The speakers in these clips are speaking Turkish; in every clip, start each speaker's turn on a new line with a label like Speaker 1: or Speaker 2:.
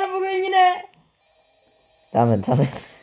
Speaker 1: arkadaşlar bugün yine.
Speaker 2: Tamam.
Speaker 3: Tamam.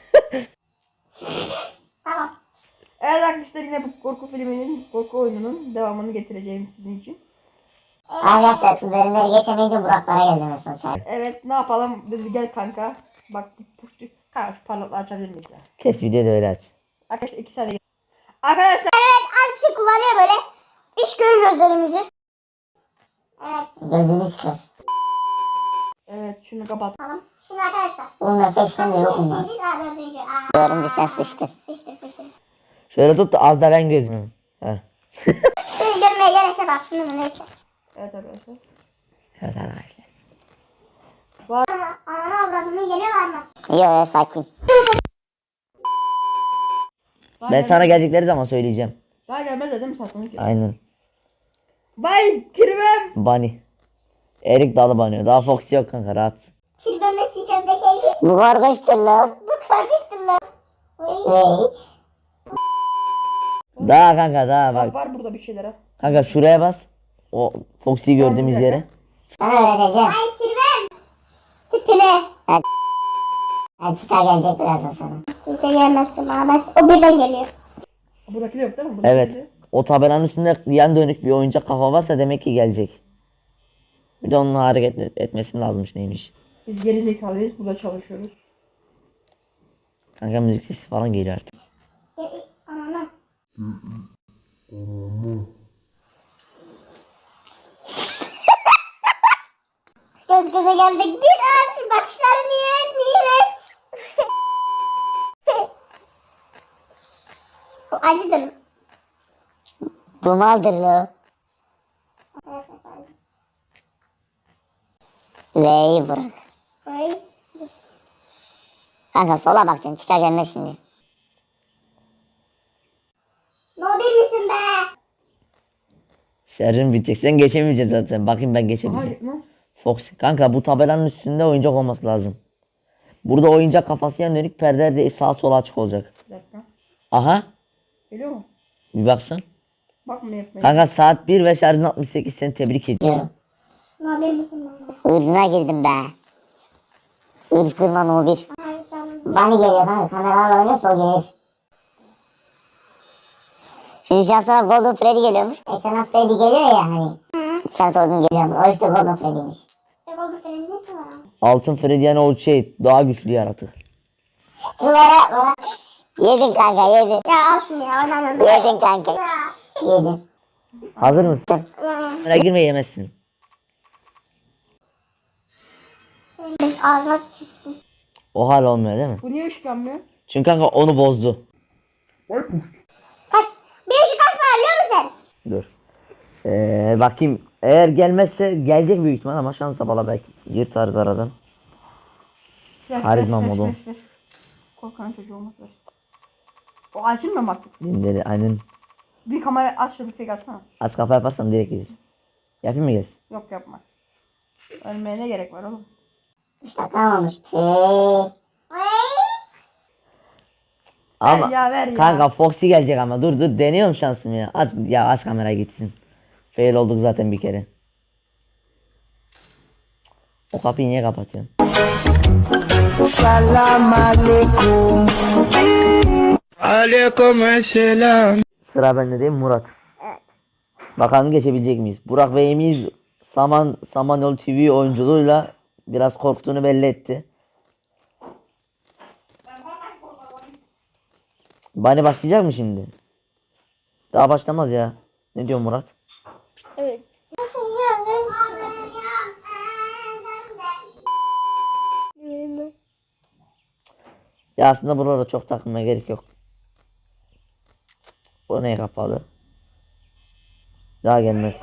Speaker 1: Evet arkadaşlar yine bu korku filminin, korku oyununun devamını getireceğim sizin için.
Speaker 3: Arkadaşlar şu bölümleri geçemeyince Buraklara geldim en son.
Speaker 1: Evet ne yapalım dedi gel kanka. Bak kanka şu parlaklığı açabilir miyiz ya?
Speaker 2: Kes videoyu da öyle aç.
Speaker 1: Arkadaşlar 2 saniye. Arkadaşlar.
Speaker 3: Evet az bir şey kullanıyor böyle. Hiç görmüyoruz önümüzü. Evet. Gözünüz kör.
Speaker 1: Evet şunu kapat.
Speaker 3: Tamam. Şimdi arkadaşlar. Bu nefesten de yok mu? Dördüncü sen sıçtın. Sıçtı.
Speaker 2: Şöyle tut da az da ben gözümü. Heh.
Speaker 3: Seni görmeye gerek yok aslında neyse.
Speaker 1: Evet arkadaşlar.
Speaker 2: Evet arkadaşlar.
Speaker 3: Ananı avradını geliyorlar mı? Yok sakin.
Speaker 2: Ben sana gelecekleri zaman söyleyeceğim.
Speaker 1: Daha gelmez dedim satın ki.
Speaker 2: Aynen.
Speaker 1: Bay kirvem.
Speaker 2: Bunny. Erik dalı banıyor. Daha Foxy yok kanka rahat.
Speaker 3: Çirgönle çiğ köfte geldi. Bu kargaştır lan. Bu kargaştır lan.
Speaker 2: Daha kanka daha bak.
Speaker 1: Var burada bir şeyler ha.
Speaker 2: Kanka şuraya bas. O Foxy'yi gördüğümüz yere.
Speaker 3: Sana öğreteceğim. Ay kirvem. Tipine. Hadi çıkar gelecek birazdan sana. Kimse gelmezsin bana. O birden geliyor.
Speaker 1: Buradaki de yok değil mi? Buradaki
Speaker 2: Evet.
Speaker 1: de.
Speaker 2: O tabelanın üstünde yan dönük bir oyuncak kafa varsa demek ki gelecek. Bir de onun hareket etmesi lazımmış neymiş.
Speaker 1: Biz geri zekalıyız burada çalışıyoruz.
Speaker 2: Kanka müzik sesi falan geliyor artık.
Speaker 3: Anana. Göz göze geldik. Bir an bakışları niye? Bu acıdır. Bu maldır lo. V'yi bırak. Kanka sola bakacaksın çıkar gelmez şimdi. No bir misin be?
Speaker 2: Şarjım bitecek. Sen geçemeyeceksin zaten. Bakayım ben geçebileceğim.
Speaker 1: Hayır mı?
Speaker 2: Fox. Kanka bu tabelanın üstünde oyuncak olması lazım. Burada oyuncak kafası yan dönük perdeler de sağa sola açık olacak.
Speaker 1: Bir dakika.
Speaker 2: Aha.
Speaker 1: Geliyor mu?
Speaker 2: Bir baksan.
Speaker 1: Bakma yapmayın.
Speaker 2: Kanka saat 1 ve şarjın 68 seni tebrik ediyorum.
Speaker 3: No bir misin be? Irzına girdim be. Irz kırma no bir. Bani geliyor kanka kameralarla oynuyorsa o gelir. Şimdi şansına Golden Freddy geliyormuş. Ekrana Freddy geliyor ya hani. Sen sordun geliyor mu? O işte Golden Freddy'miş. Golden Freddy nesi var?
Speaker 2: Altın Freddy yani o şey daha güçlü yaratık.
Speaker 3: Bana. Yedin kanka yedin. Ya olsun ya oynamam. Yedin kanka. Yedin.
Speaker 2: Hazır mısın? Kamera girme yemezsin.
Speaker 3: Ağzına sıçırsın.
Speaker 2: O hal olmuyor değil mi?
Speaker 1: Bu niye ışıklanmıyor?
Speaker 2: Çünkü kanka onu bozdu.
Speaker 3: Kaç? Bir ışık kaç var biliyor musun?
Speaker 2: Dur. Bakayım. Eğer gelmezse gelecek büyük ihtimal ama şansa bala belki yırtarız aradan. Karizma modu.
Speaker 1: Korkan çocuğu olmaz. O açılmıyor mu artık?
Speaker 2: Dinleri aynen.
Speaker 1: Bir kamera aç şu bir fake atsana.
Speaker 2: Aç kafa yaparsan direkt gelir. Yapayım mı gelsin?
Speaker 1: Yok yapma. Ölmeye ne gerek var oğlum?
Speaker 3: Şaka olmuş.
Speaker 2: Ama
Speaker 1: ver ya.
Speaker 2: kanka Foxy gelecek ama dur deniyorum şansımı ya. Aç kamera gitsin. Fail olduk zaten bir kere. O kapıyı niye kapatıyorsun?
Speaker 4: Salam aleyküm. Aleykümselam.
Speaker 2: Sıra bende değil mi Murat?
Speaker 3: Evet.
Speaker 2: Bakalım geçebilecek miyiz? Burak ve Emiz Samanyolu TV oyunculuğuyla biraz korktuğunu belli etti. Bani başlayacak mı şimdi? Daha başlamaz ya. Ne diyor Murat?
Speaker 3: Evet.
Speaker 2: Ya aslında buralara çok takılmaya gerek yok. O neye kapalı? Daha gelmez.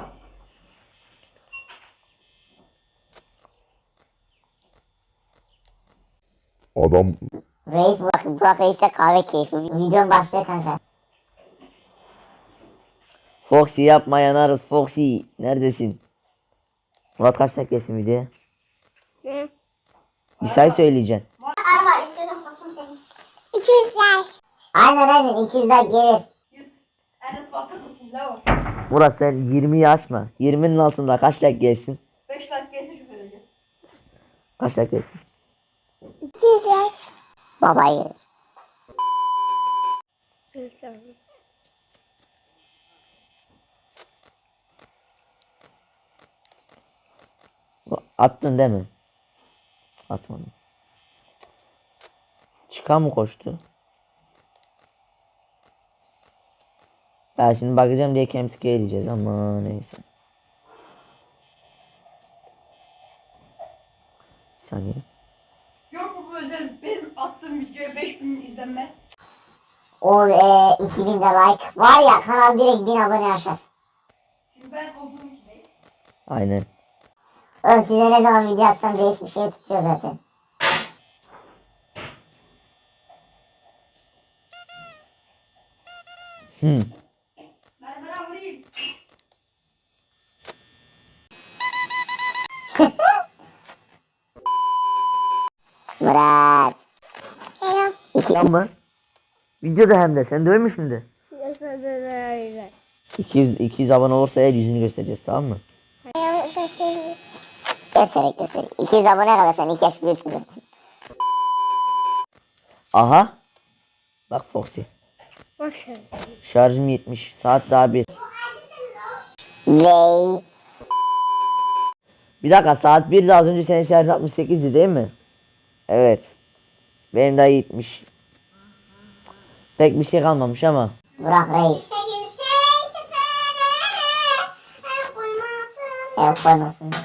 Speaker 5: Adam
Speaker 3: Reis Burak Reis'e kahve keyfi. Videonun başlığı kanka.
Speaker 2: Foxy yapma yanarız Foxy. Neredesin? Murat kaç dakika gelsin videoya?
Speaker 3: Ne?
Speaker 2: Bir say söyleyeceksin.
Speaker 3: Araba istiyorum bakayım seni. 200'ler. Aynen 200'ler gelir.
Speaker 1: Enes bakır mısın la o?
Speaker 2: Murat sen 20'yi aşma. 20'nin altında kaç like gelsin?
Speaker 1: 5 like gelsin şu böylece.
Speaker 2: Kaç like gelsin?
Speaker 3: Güzel. Babayı.
Speaker 2: Attın değil mi? Atmadım. Çıkan mı koştu? Ya şimdi bakacağım diye Kemski'ye eleyeceğiz ama neyse. Bir saniye.
Speaker 1: Yok mu bu özel benim attığım videoya 5000 izlenme?
Speaker 3: O 2000 de like. Var ya kanal direkt 1000 abone aşar.
Speaker 1: Şimdi ben olduğum için değil.
Speaker 2: Aynen.
Speaker 3: Oğlum size ne zaman video atsam değişik bir şey tutuyor zaten.
Speaker 1: Ben vurayım.
Speaker 3: Murat. Selam.
Speaker 2: Ama videoda hem de sen dövmüş müydü? 200 abone olursa eğer yüzünü göstereceğiz, tamam mı?
Speaker 3: Göstererek. 200 abone kadar sen 2 yaş büyürsün zaten.
Speaker 2: Aha. Bak Foxy. Şarjım 70. Saat daha 1.
Speaker 3: Vey.
Speaker 2: Bir dakika, saat 1'de az önce senin şarjın 68'di değil mi? Evet. Benim daha 70. Pek bir şey kalmamış ama.
Speaker 3: Burak Reis. Evet koymasın.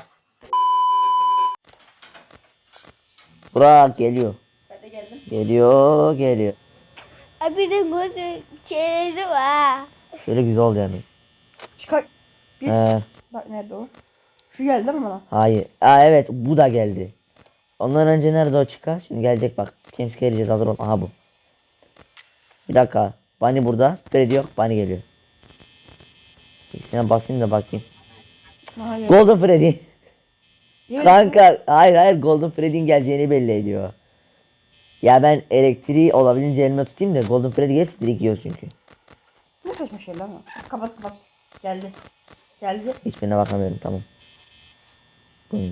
Speaker 2: Burak geliyor.
Speaker 1: Ben de geldim.
Speaker 2: Geliyor.
Speaker 5: Abi de burada şeyleri var.
Speaker 2: Şöyle güzel oldu yalnız.
Speaker 1: Çıkar. Bir.
Speaker 2: He,
Speaker 1: Bak nerede o? Şu geldi değil mi bana?
Speaker 2: hayır. Aa evet, bu da geldi. Ondan önce nerede o çıkar? Şimdi gelecek bak. Kimse geleceğiz, hazır ol. Aha bu. Bir dakika. Bunny burada. Freddy yok. Bunny geliyor. İkisine basayım da bakayım.
Speaker 1: Hayır.
Speaker 2: Golden Freddy.
Speaker 1: Yemin
Speaker 2: Kanka hayır Golden Freddy'nin geleceğini belli ediyor. Ya ben elektriği olabildiğince elime tutayım da Golden Freddy gelsin, direkt yiyor çünkü.
Speaker 1: Ne saçma şeyler ama. Kapat. Geldi.
Speaker 2: Hiçbirine bakamıyorum, tamam. Buyurun.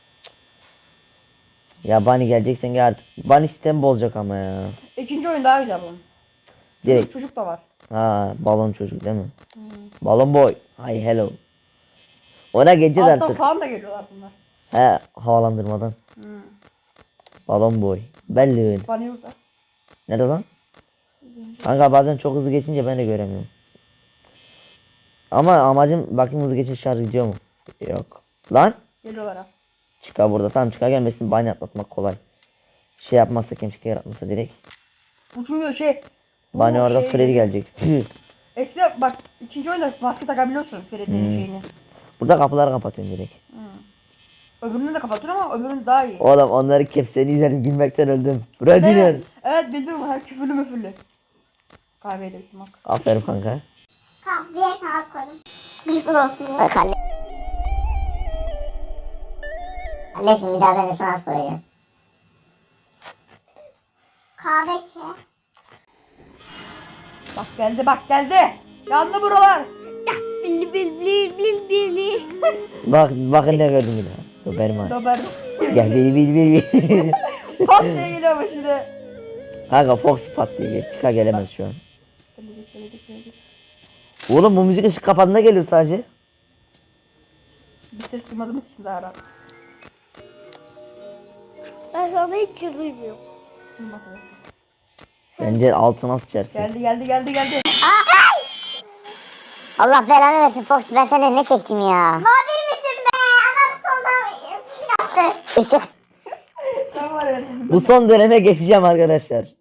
Speaker 2: Ya Bunny geleceksen gel artık. Bunny sistemi olacak ama ya.
Speaker 1: İkinci oyun daha güzel bunun.
Speaker 2: Direkt.
Speaker 1: Çocuk da var.
Speaker 2: Ha, balon çocuk değil mi? Balon boy. Hi hello. Ona geleceğiz
Speaker 1: Altta
Speaker 2: artık.
Speaker 1: falan da geliyorlar bunlar.
Speaker 2: He, havalandırmadan. Balon boy. Belli.
Speaker 1: Bana yurda.
Speaker 2: Nerede lan? Kanka bazen çok hızlı geçince ben de göremiyorum. Ama amacım bakayım hızlı geçince şarj gidiyor mu? Yok. Lan?
Speaker 1: Geliyorlar ha.
Speaker 2: Çıkar burada. Tam çıkar gelmesin. Bani atlatmak kolay. Şey yapmazsa, kimse yaratmasa direkt.
Speaker 1: Bu çünkü şey.
Speaker 2: Bani
Speaker 1: bu
Speaker 2: orada
Speaker 1: şey-
Speaker 2: Freddy gelecek.
Speaker 1: Eskiden bak ikinci oyunda maske takabiliyorsun Freddy'nin şeyini.
Speaker 2: Burada kapıları kapatıyorum direkt.
Speaker 1: Öbürünü de kapatıyorsun ama öbürünün daha iyi.
Speaker 2: Oğlum onları kepseni izledim, gülmekten öldüm. Freddy'nin.
Speaker 1: Evet bildim her küfürlü müfürlü. Kahveyi de içtim bak.
Speaker 2: Aferin kanka.
Speaker 3: Kahveye kağıt koydum. Güzel olsun. Bak anne. Annesin bir daha ben de sana koyacağım. Kahve ki.
Speaker 1: Bak geldi. Yandı buralar.
Speaker 5: Bili.
Speaker 2: Bakın ne gördüm bir daha. Dur benim ha.
Speaker 1: Dober.
Speaker 2: Gel bil.
Speaker 1: Pat diye geliyor ama şimdi.
Speaker 2: Kanka Fox pat diye gel. Çıkar gelemez şu an.
Speaker 1: Gelecek.
Speaker 2: Oğlum bu müzik ışık kapandığında geliyor sadece.
Speaker 1: Bir ses duymadığımız için daha rahat.
Speaker 5: Ben sana hiç duymuyorum.
Speaker 1: Şimdi bakalım.
Speaker 2: Bence altına sıçarsın.
Speaker 1: Geldi.
Speaker 3: Allah belanı versin Fox, ben senden ne çektim ya? Mobil misin be? Adam soldan yaptı. Işık.
Speaker 1: Tamam var evet.
Speaker 2: Bu son döneme geçeceğim arkadaşlar.